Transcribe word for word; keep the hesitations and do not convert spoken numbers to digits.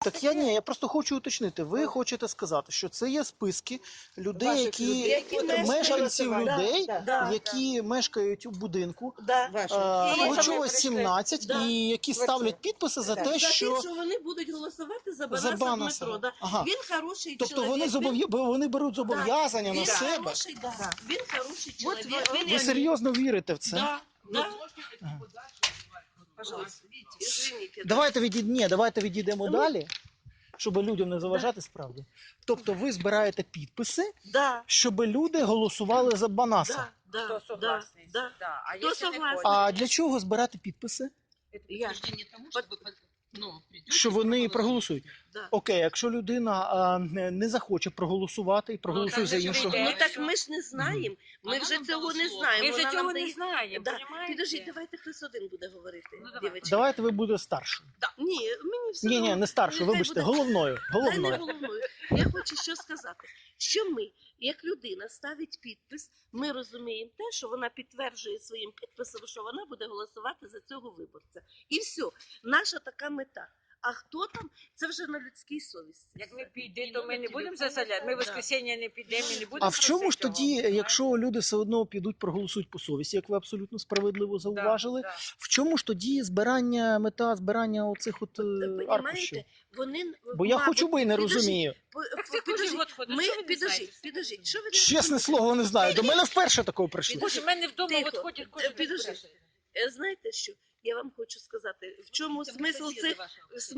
Так я ні, я просто хочу уточнити. Ви хочете сказати, що це є списки людей, Ваших які, людей, які мешкають. мешканців Да, людей, да, да, які мешкають у будинку Да. Ваші. е, І- Клочова І- сімнадцять, Да. і які ставлять підписи за Так. те, За те, що що вони будуть голосувати за за Банаса Банаса. Дмитро. Да. Ага. Він хороший Тобто чоловік. вони він- зобов'я... вони беруть Да. зобов'язання Він на себе. хороший, да. Да. Він хороший От чоловік. ви- Він Ви як- серйозно вірите в це? Да, да. Пожалуйста. Извините, да. Давайте відійд... Ні, давайте відійдемо Ну, далі, щоб людям не заважати справді. Тобто ви збираєте підписи, Да, щоб люди голосували за Банаса. да, да, Кто да, согласный? да. Да. А Кто если не согласен? хочет? А для чого збирати підписи? Это Я. подтверждение тому, чтобы ну, придете, Що вони проголосують. Да. Окей, якщо людина а, не не захоче проголосувати і проголосує Ну, за так же іншого. прийде. Ну так ми ж не знаємо. Ми Вона вже нам цього дала не слово. знаємо. Ми Вона вже нам цього дає- не знаємо, Да. понімаєте? Підождіть, давайте хтось один буде говорити, Ну, давай. дівчатки. Давайте ви будете старшою. Ні, мені все Ні, ні, одно. не старшою, Нехай вибачте, буде- головною. Та не Головною. головною. Я хочу що сказати. Що ми, як людина, ставить підпис, ми розуміємо те, що вона підтверджує своїм підписом, що вона буде голосувати за цього виборця. І все. Наша така мета. А хто там, це вже на людській совісті. Як ми підемо, то ми не будемо заселяти. Ми в воскресенье не підемо і не будемо А в чому ж просити тоді, його, якщо люди все одно підуть проголосують по совісті, як ви абсолютно справедливо понімаєте? зауважили, Да, да. в чому ж тоді збирання, мета збирання оцих от е, аркушів? Понімаєте, вони, Бо я мабуть, хоч би і не підождіть, розумію. по- Так по- це кожен підождіть, год ходить. Ми, Що ви не підождіть, знаєте? підождіть, що ви не Чесне розумієте? слово, не знаю. До мене вперше такого прийшло. Боже, в мене вдома Тихо. от ходять кожен Підожди. день. Е, Знаєте що? Я вам хочу сказати, в чому смисл цих